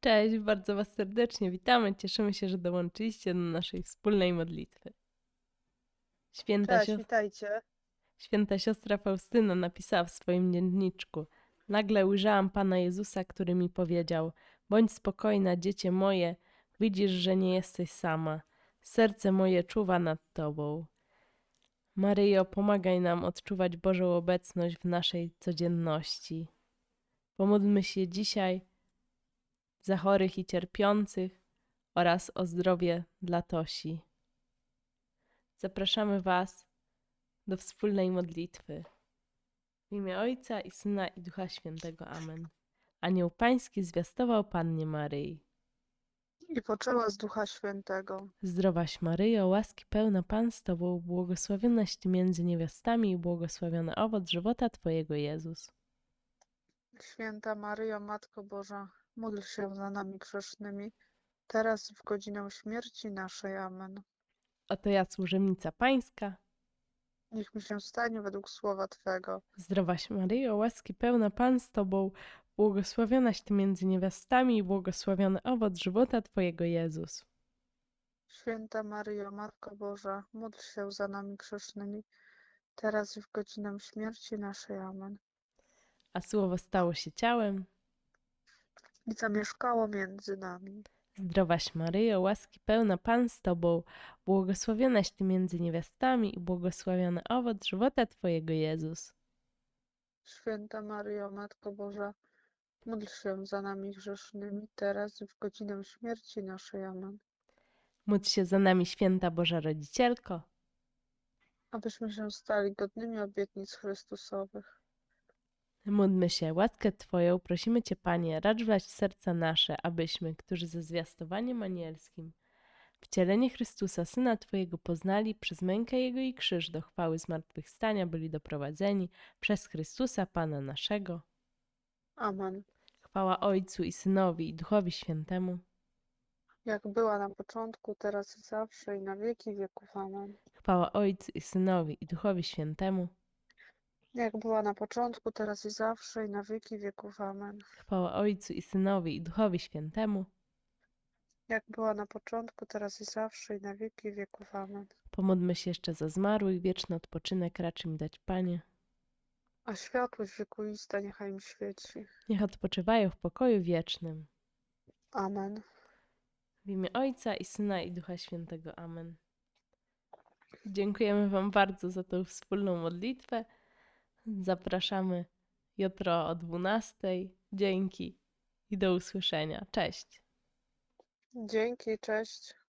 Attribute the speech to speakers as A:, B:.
A: Cześć, bardzo Was serdecznie witamy. Cieszymy się, że dołączyliście do naszej wspólnej modlitwy. Święta,
B: Cześć, witajcie.
A: Święta siostra Faustyna napisała w swoim dzienniczku: Nagle ujrzałam Pana Jezusa, który mi powiedział: Bądź spokojna, dziecię moje, widzisz, że nie jesteś sama. Serce moje czuwa nad Tobą. Maryjo, pomagaj nam odczuwać Bożą obecność w naszej codzienności. Pomódlmy się dzisiaj za chorych i cierpiących oraz o zdrowie dla Tosi. Zapraszamy Was do wspólnej modlitwy. W imię Ojca i Syna i Ducha Świętego. Amen. Anioł Pański zwiastował Pannie Maryi.
B: I poczęła z Ducha Świętego.
A: Zdrowaś Maryjo, łaski pełna Pan z Tobą, błogosławionaś Ty między niewiastami i błogosławiony owoc żywota Twojego Jezus.
B: Święta Maryjo, Matko Boża, módl się za nami grzesznymi, teraz i w godzinę śmierci naszej. Amen.
A: Oto ja, służebnica Pańska.
B: Niech mi się stanie według słowa Twego.
A: Zdrowaś Maryjo, łaski pełna Pan z Tobą, błogosławionaś Ty między niewiastami i błogosławiony owoc żywota Twojego Jezus.
B: Święta Maryjo, Matko Boża, módl się za nami grzesznymi, teraz i w godzinę śmierci naszej. Amen.
A: A Słowo stało się ciałem.
B: I zamieszkało między nami.
A: Zdrowaś Maryjo, łaski pełna Pan z Tobą, błogosławionaś Ty między niewiastami i błogosławiony owoc żywota Twojego Jezus.
B: Święta Maryjo, Matko Boża, módl się za nami grzesznymi, teraz i w godzinę śmierci naszej. Amen.
A: Módl się za nami, święta Boża Rodzicielko.
B: Abyśmy się stali godnymi obietnic Chrystusowych.
A: Módlmy się, łaskę Twoją prosimy Cię, Panie, racz wlać w serca nasze, abyśmy, którzy ze zwiastowaniem anielskim wcielenie Chrystusa, Syna Twojego, poznali, przez mękę Jego i krzyż do chwały zmartwychwstania byli doprowadzeni przez Chrystusa, Pana naszego.
B: Amen.
A: Chwała Ojcu i Synowi i Duchowi Świętemu.
B: Jak była na początku, teraz i zawsze, i na wieki wieków. Amen.
A: Chwała Ojcu i Synowi i Duchowi Świętemu.
B: Jak była na początku, teraz i zawsze, i na wieki wieków. Amen.
A: Chwała Ojcu i Synowi i Duchowi Świętemu.
B: Jak była na początku, teraz i zawsze, i na wieki wieków. Amen.
A: Pomódlmy się jeszcze za zmarłych, wieczny odpoczynek racz im dać, Panie.
B: A światłość wiekuista niechaj im świeci.
A: Niech odpoczywają w pokoju wiecznym.
B: Amen.
A: W imię Ojca i Syna i Ducha Świętego. Amen. Dziękujemy Wam bardzo za tą wspólną modlitwę. Zapraszamy jutro o 12:00. Dzięki i do usłyszenia. Cześć.
B: Dzięki, cześć.